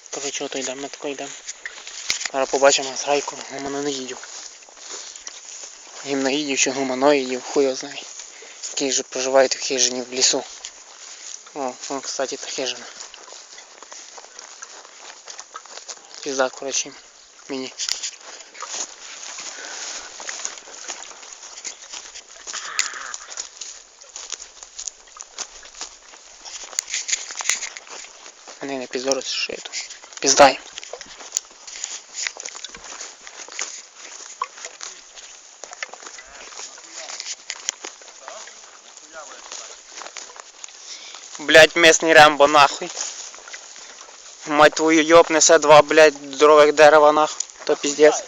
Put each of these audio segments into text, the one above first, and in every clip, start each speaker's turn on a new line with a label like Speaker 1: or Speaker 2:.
Speaker 1: Коротше, ото йдемо, ми тако йдемо. Зараз побачимо з Грайку гуманоїдів. Гімноїдів чи гуманоїдів, хуй його знає. Які ж проживають в хижині в лісу. О, вон, кстати, та хижина. Пізда, коротше, мені. Не піздорос, що я тут. Піздай. Блять, местный Рембо, нахуй. Мать твою, ёб, несе два, блять, здорових дерева, нахуй. То пиздец.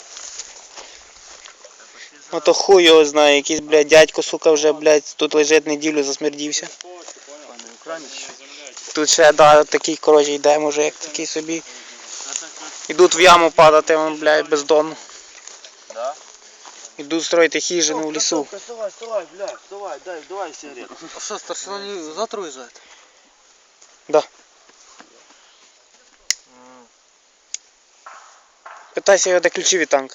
Speaker 1: Ото хуй його знає, якийсь, блядь, дядько, сука, вже, блядь, тут лежить неділю, засмердівся. Тут ще, да, такий, коротше, йде мужик, такий собі. Ідуть в яму падати, вон, блядь, бездонно. Ідуть строїти хижину в лісу.
Speaker 2: Вставай, блядь, вставай, давай сигарету.
Speaker 3: А что, старшина не завтра уезжает?
Speaker 1: Да. Питайся його, де ключі від танка.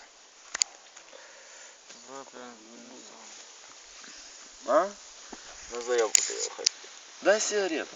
Speaker 2: А? На заявку ты его хоть. Дай сигарету.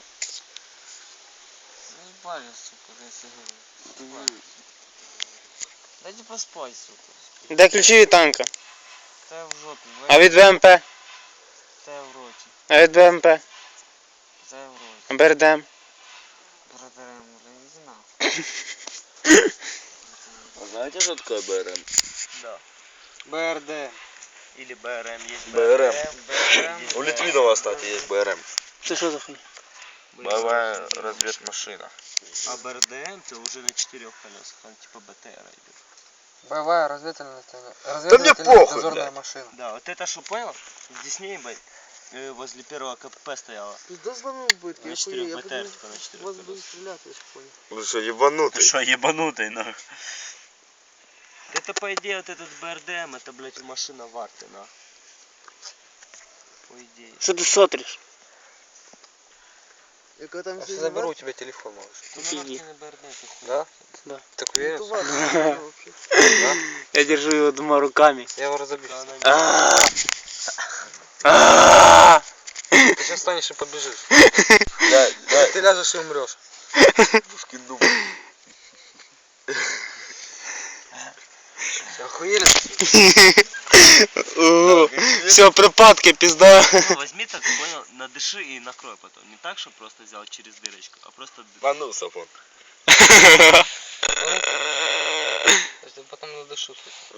Speaker 3: Заебали, сука, дай сигарету. Дайте поспать, сука.
Speaker 1: Де ключі від танка?
Speaker 3: Та в жопе,
Speaker 1: А від БМП?
Speaker 3: та в роте,
Speaker 1: А від БМП?
Speaker 3: та в роте.
Speaker 1: БРДМ?
Speaker 3: Братарем, иди нахуй.
Speaker 2: А знаете, что такое БРМ?
Speaker 3: Да.
Speaker 1: БРД.
Speaker 3: Или БРМ есть.
Speaker 2: БРМ.
Speaker 3: БРМ.
Speaker 2: У Литвинова, кстати, есть БРМ.
Speaker 1: Це що за хуйня?
Speaker 2: Боевая разведмашина.
Speaker 3: А БРДМ это уже на 4 колесах, он типа БТР идет.
Speaker 4: Боевая разведывательная
Speaker 2: мне похуй,
Speaker 4: дозорная
Speaker 2: блядь.
Speaker 4: машина.
Speaker 3: Да, вот это что понял? Здесь не возле первого КПП стояла.
Speaker 4: Пизда слону будет,
Speaker 3: На 4 БТР, только на 4
Speaker 4: вас
Speaker 3: колесах.
Speaker 4: будут стрелять, я понял.
Speaker 2: Вы что, ебанутый?
Speaker 3: Что, ебанутый, нахуй? Это, по идее, вот этот БРДМ, это, блядь, машина в арте, нахуй. По идее.
Speaker 1: Що ти сотриш?
Speaker 4: Я когда там
Speaker 3: А
Speaker 4: все
Speaker 3: заберу
Speaker 4: у тебя телефон, малыш.
Speaker 3: Ну,
Speaker 1: Пизди.
Speaker 3: на БРД, ты хуй.
Speaker 4: Да?
Speaker 1: Да.
Speaker 4: Так уверен? вообще.
Speaker 1: Я держу його двома руками.
Speaker 4: Я его разобью.
Speaker 3: Да, она не-
Speaker 4: Ты сейчас станешь и побежишь. Ты ляжешь и умрешь.
Speaker 2: Пушкин дуб.
Speaker 4: Охуели?
Speaker 1: Все, припадки, пизда.
Speaker 3: Ну, возьми так, понял, надыши и накрой потом. Не так, что просто взял через дырочку, а просто...
Speaker 2: А ну, Сафон.
Speaker 4: Если потом надышу.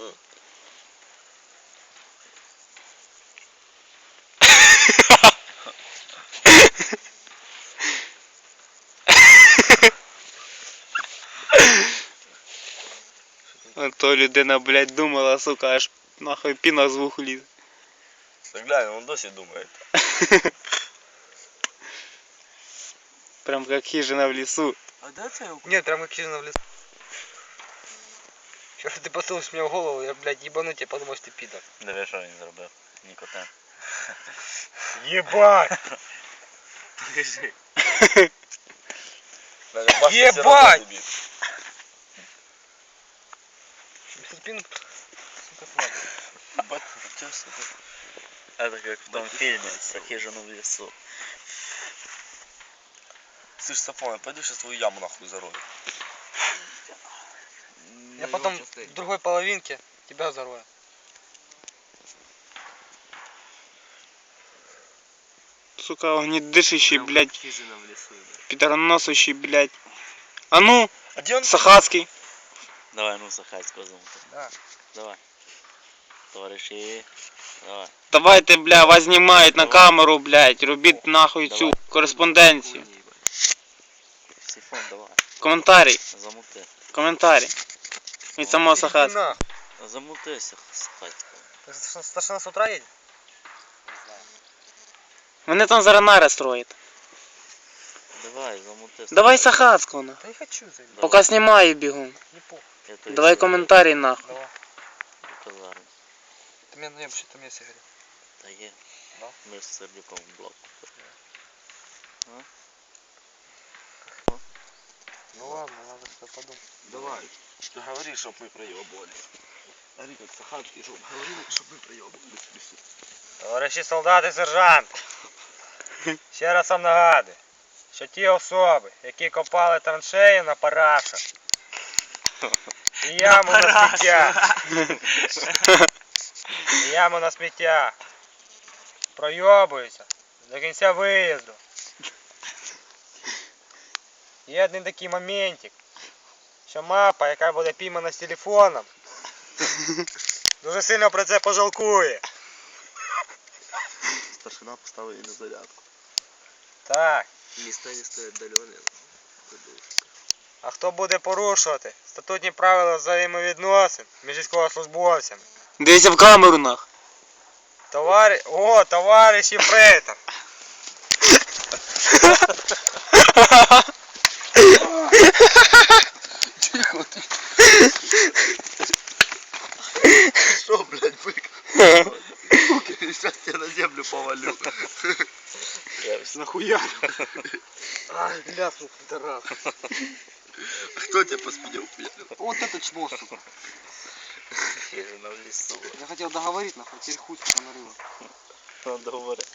Speaker 1: А то людина, блядь, думала, сука, аж нахуй піна з вуху лізе.
Speaker 2: Так глянь, он досі думает.
Speaker 1: Прям как хижина в лесу.
Speaker 3: А да, ты
Speaker 4: Нет, прям как хижина в лесу. Вчера ты посылаешь мне в голову, я, блядь, ебану тебя, подумал, что ты пидор.
Speaker 2: Диви, що він зробив. Нікотен.
Speaker 4: Ебать!
Speaker 3: Покажи.
Speaker 4: Ебать! Спину, сука, слабый.
Speaker 2: Это как в том фильме с хижину в лесу. Слышь, Сафон, я пойду сейчас твою яму нахуй зарою.
Speaker 4: Я потом в другой половинке тебя зарою.
Speaker 1: Сука, огнедышащий, блядь,
Speaker 3: Хижина в лесу, да.
Speaker 1: пидорносущий, блядь. А ну,
Speaker 2: А где он?
Speaker 1: Сахацкий.
Speaker 2: Давай, ну, Сахацького замута.
Speaker 4: Да.
Speaker 2: Давай. Товариші. Давай.
Speaker 1: Давайте, бля, вас знімають на камеру, блядь. Робіть нахуй цю кореспонденцію.
Speaker 2: Сифон, давай.
Speaker 1: Коментарі.
Speaker 2: Замути.
Speaker 1: Коментарі. Від самого Сахацького.
Speaker 4: Нахуй.
Speaker 2: Замутися, Сахацького.
Speaker 4: Старшина с утра едет?
Speaker 1: Вони там зараз нари строять.
Speaker 2: Давай, замутися.
Speaker 1: Давай Сахацького, нахуй.
Speaker 4: Да не хочу заебать.
Speaker 1: Поки знімаю бігом.
Speaker 4: Не похуй.
Speaker 1: Давай коментарі, нахуй.
Speaker 4: Давай.
Speaker 2: Казарм.
Speaker 4: Ты мне наем, что там есть сигарет.
Speaker 2: Та є.
Speaker 4: Да?
Speaker 2: Ми з Сердюком в блок.
Speaker 4: Ну ладно, надо что подумать.
Speaker 3: Давай, говори, чтоб мы проебывались. Говори, как Сахатский, чтоб говорили, чтоб мы проебывались.
Speaker 5: Товариші солдати, сержант. Ще раз вам нагадую, що ті особи, які копали траншеї на парашах, і яму на сміття, і яму на сміття, пройобуються до кінця виїзду. Є один такий моментик, що мапа, яка буде піймана з телефоном, дуже сильно про це пожалкує.
Speaker 2: Старшина поставив її на зарядку.
Speaker 5: Так.
Speaker 3: Места не стоят отдаленные.
Speaker 5: А хто буде порушувати статутні правила взаємовідносин між військовослужбовцями?
Speaker 1: Дивіться в камеру нах.
Speaker 5: Товариш єфрейтор.
Speaker 2: Що, блядь, бик? Сейчас я на землю повалю.
Speaker 3: Я нахуярю.
Speaker 4: Ай, ляснул, пидорас.
Speaker 2: Кто тебя по спине ударил?
Speaker 4: Вот это чмо, сука.
Speaker 2: Хижина в лесу.
Speaker 4: Я хотел договорить, нахуй, теперь хуй сука нарыла.
Speaker 2: Надо говорить.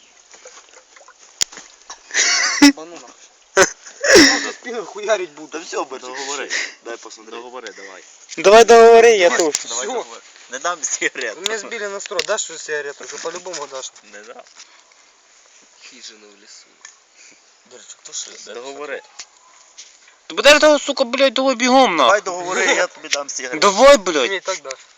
Speaker 4: Ебану нахуй. За спину хуярить буду.
Speaker 2: Да все, бо договори. Дай посмотреть. Договори, давай.
Speaker 1: Давай договори, я тут.
Speaker 2: Давай
Speaker 4: Всё.
Speaker 2: договори. Не дам сигарет.
Speaker 4: Вы меня сбили на строй, дашь что сигарету? Что по-любому дашь.
Speaker 2: Не дам.
Speaker 3: Хижина в лесу.
Speaker 2: Договори.
Speaker 1: Ти будеш того, сука, блядь, того бігом нах.
Speaker 2: Давай договори, я тобі дам сигарет.
Speaker 1: Давай, блядь.
Speaker 4: Ты мне и так дашь.